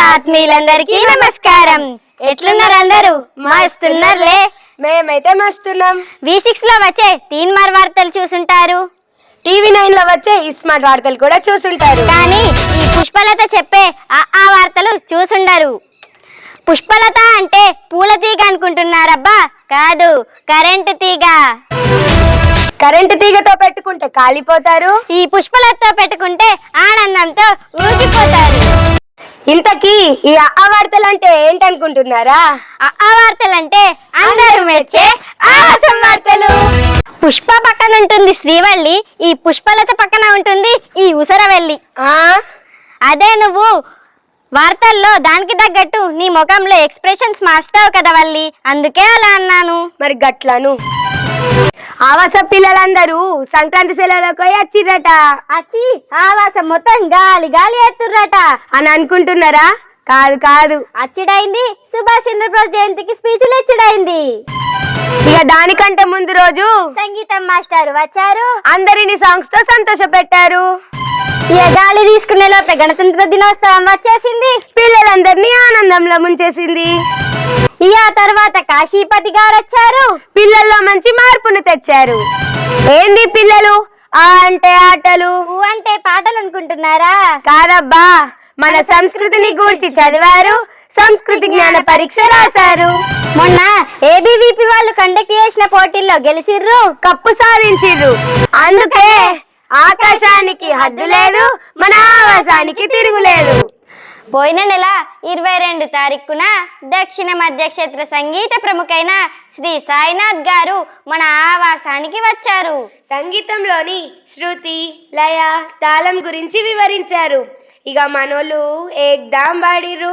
ఆత్మీయులందరికీ నమస్కారం. ఎట్లున్నారు అందరూ? మస్తున్నారులే. మేమైతే మస్తున్నాం. V6 లో వచ్చే తీన్మార్ వార్తలు చూసుంటారు, TV9 లో వచ్చే ఇస్మార్ట్ వార్తలు కూడా చూసుంటారు. కానీ ఈ పుష్పలత చెప్పే ఆ వార్తలు చూసుండరు. పుష్పలత అంటే పూల తీగ అనుకుంటున్నారబ్బా, కాదు, కరెంటు తీగ. కరెంటు తీగతో పెట్టుకుంటే కాలిపోతారు, ఈ పుష్పలతతో పెట్టుకుంటే ఆనందంతో ఊగిపోతారు. ఇంతకీ ఈ ఆ వార్తలు అంటే ఏంటనుకుంటున్నారా? ఆ వార్తలంటే అందరూ మెచ్చే ఆవాసం వార్తలు. పుష్ప పక్కన ఉంటుంది శ్రీవల్లి, ఈ పుష్పలత పక్కన ఉంటుంది ఈ ఉసరవెల్లి. అదే నువ్వు వార్తల్లో దానికి తగ్గట్టు నీ ముఖంలో ఎక్స్ప్రెషన్స్ మార్చుతావు కదా వల్లి, అందుకే అలా అన్నాను. మరి గట్లను ఆవాస పిల్లలందరూ సంక్రాంతి సెలవులకు వచ్చిర్రట. అచ్చి ఆవాసం మొత్తం గాలి గాలి ఎత్తుర్రట అని అనుకుంటున్నారా? కాదు కాదు, అచ్చుడైంది సుభాష్ చంద్రబోస్ జయంతికి స్పీచ్లు ఇచ్చుడైంది. ఇక దానికంటే ముందు రోజు సంగీతం మాస్టర్ వచ్చారు, అందరిని సాంగ్స్ తో సంతోష పెట్టారు. ఇక గాలి తీసుకునే లోపే గణతంత్ర దినోత్సవం వచ్చేసింది, పిల్లలందరినీ ఆనందంలో ముంచేసింది. ఇక తర్వాత కాశీపతి గారు వచ్చారు, పిల్లల్లో మంచి మార్పును తెచ్చారు. ఏంది పిల్లలు? ఆ అంటే ఆటలు, ఊ అంటే పాటలు అనుకుంటున్నారా? కాదబ్బా, మన సంస్కృతిని గూర్చి చదివారు, సంస్కృతి జ్ఞాన పరీక్ష రాశారు. మొన్న ABVP వాళ్ళు కండక్ట్ చేసిన పోటీల్లో గెలిచిర్రు, కప్పు సాధించిర్రు. అందుకే ఆకాశానికి హద్దు లేదు, మన ఆవాసానికి తిరుగులేదు. పోయిన నెల 22 తారీఖున దక్షిణ మధ్య క్షేత్ర సంగీత ప్రముఖైన శ్రీ సాయినాథ్ గారు మన ఆవాసానికి వచ్చారు. సంగీతంలోని శృతి, లయ, తాళం గురించి వివరించారు. ఇక మనోళ్ళు ఏకదాం పాడిర్రు.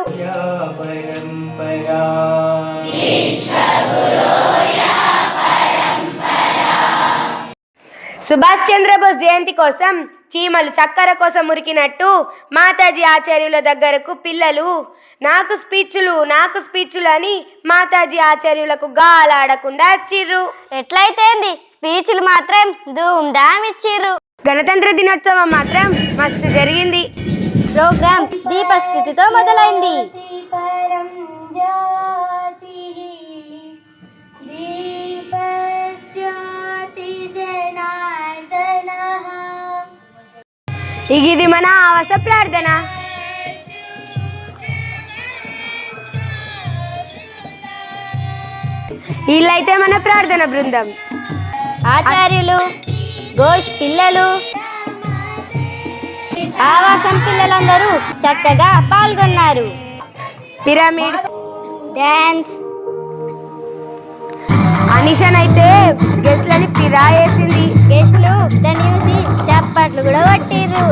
సుభాష్ చంద్రబోస్ జయంతి కోసం చీమలు చక్కెర కోసం ఉరికినట్టు మాతాజీ ఆచార్యుల దగ్గరకు పిల్లలు నాకు స్పీచ్లు అని మాతాజీ ఆచార్యులకు గాలాడకుండా వచ్చిర్రు. ఎట్లయితే స్పీచ్లు మాత్రం ధూమ్ ధామ్ ఇచ్చిర్రు. గణతంత్ర దినోత్సవం మాత్రం మస్తు జరిగింది. ప్రోగ్రామ్ దీపస్థితితో మొదలైంది. ఇది మన ఆవాస ప్రార్థన. వీళ్ళైతే మన ప్రార్థన బృందం. ఆచార్యులు, ఘోష్ పిల్లలు, ఆవాసం పిల్లలందరూ చక్కగా పాల్గొన్నారు. పిరమిడ్ డాన్స్, అనిషన్ అయితే గెస్ట్లని ఫిరా వేసింది. గెస్ట్లు దాన్ని చూసి చప్పట్లు కూడా కొట్టిర్రు.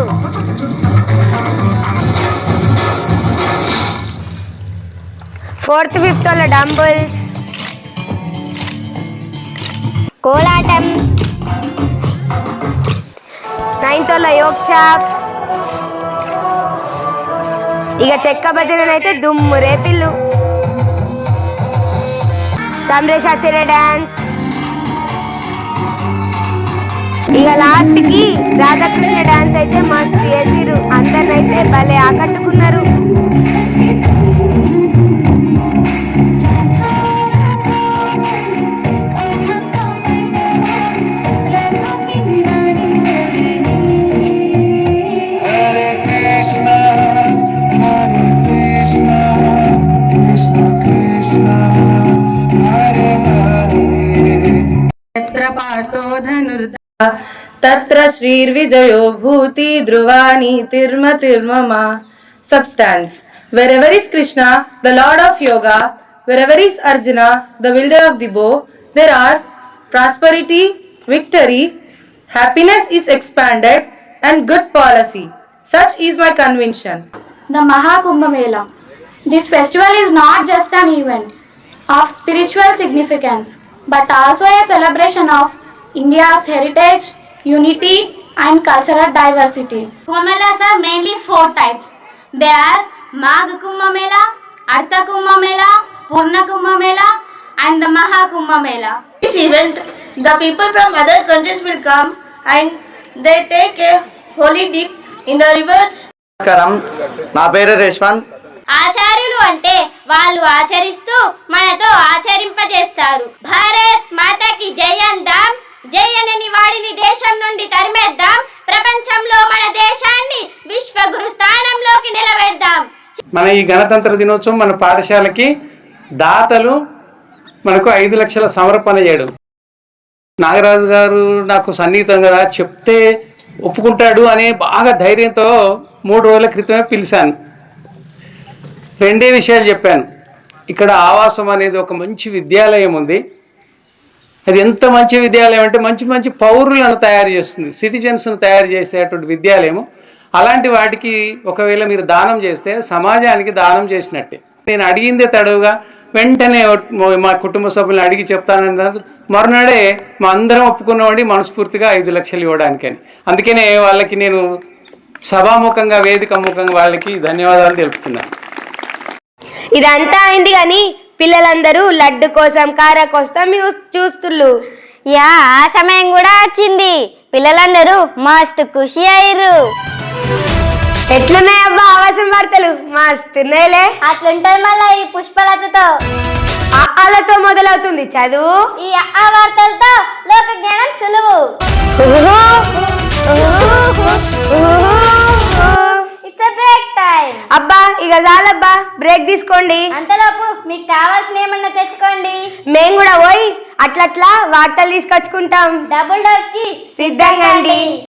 ఫోర్త్ ఫిఫ్త్ వాళ్ళ డంబుల్స్, కోలాటం, 9th వాళ్ళ యోగ్ షాప్, ఇక చెక్క భజనైతే దుమ్ము రేపిల్లు. సమరేశాచార్య డాన్స్, ఇక లాస్ట్ కి రాధాకృష్ణ డాన్స్ అయితే మస్తు చేసిరు. అందరినైతే భలే ఆకట్టుకున్నారు. तत्र श्रीर्विजयो भूति ध्रुवानी तिर्मतिर्मम. Substance. Wherever is Krishna, the Lord of Yoga, wherever is Arjuna, the wielder of the bow, there are prosperity, victory, happiness is expanded, and good policy. Such is my conviction. The Mahakumbh Mela. This festival is not just an event of spiritual significance, but also a celebration of India's heritage, unity and cultural diversity. Kumbh Melas are mainly 4 types. They are Magh Kumbh Mela, Artha Kumbh Mela, Purna Kumbh Mela and the Mahakumbh Mela. This event, the people from other countries will come and they take a holy dip in the rivers. నమస్కారం, నా పేరు రేష్మంత్. ఆచార్యులు అంటే వాళ్ళు ఆచరిస్తూ మనతో ఆచరింపజేస్తారు. భారత్ మాతాకి జై అందాం, జై అనని వాడిని దేశం నుండి తరిమేద్దాం, ప్రపంచంలో మన దేశాన్ని విశ్వగురు స్థానంలోకి నిలబెడదాం. మన ఈ గణతంత్ర దినోత్సవం మన పాఠశాలకి దాతలు మనకు 5 లక్షల సమర్పణ చేయడం. నాగరాజు గారు నాకు సన్నిహితం కదా, చెప్తే ఒప్పుకుంటాడు అనే బాగా ధైర్యంతో 3 రోజుల క్రితమే పిలిచాను. 2 విషయాలు చెప్పాను. ఇక్కడ ఆవాసం అనేది ఒక మంచి విద్యాలయం ఉంది. అది ఎంత మంచి విద్యాలయం అంటే మంచి మంచి పౌరులను తయారు చేస్తుంది, సిటిజన్స్ను తయారు చేసేటువంటి విద్యాలయము. అలాంటి వాటికి ఒకవేళ మీరు దానం చేస్తే సమాజానికి దానం చేసినట్టే. నేను అడిగిందే తడవుగా వెంటనే మా కుటుంబ సభ్యులను అడిగి చెప్తానన్నారు. మరునాడే మా అందరం ఒప్పుకున్నామండి మనస్ఫూర్తిగా 5 లక్షలు ఇవ్వడానికని. అందుకనే వాళ్ళకి నేను సభాముఖంగా వేదిక ముఖంగా వాళ్ళకి ధన్యవాదాలు తెలుపుతున్నాను. ఇదంతా అయింది కానీ పిల్లలందరూ లడ్డు కోసం కార కోసం చూస్తుళ్ళు. యా, ఆ సమయం కూడా వచ్చింది. పిల్లలందరూ మస్తు ఖుషి అయ్యారు. ఎట్లున్నాయి అబ్బా ఆవాసం వార్తలు? మస్తున్నాయిలే. అట్లుంటది మళ్ళా ఈ పుష్పలతతో. ఆలతో మొదలవుతుంది చదువు. ఈ ఆ వార్తలతో లోక జ్ఞానం సులువు. It's break time. అబ్బా ఇక చాలబ్బా, బ్రేక్ తీసుకోండి. అంతలోపు మీకు కావాల్సిన ఏమన్నా తెచ్చుకోండి. మేము కూడా పోయి అట్లట్లా వార్తలు తీసుకొచ్చుకుంటాం. డబుల్ డోస్ కి సిద్ధంగా అండి.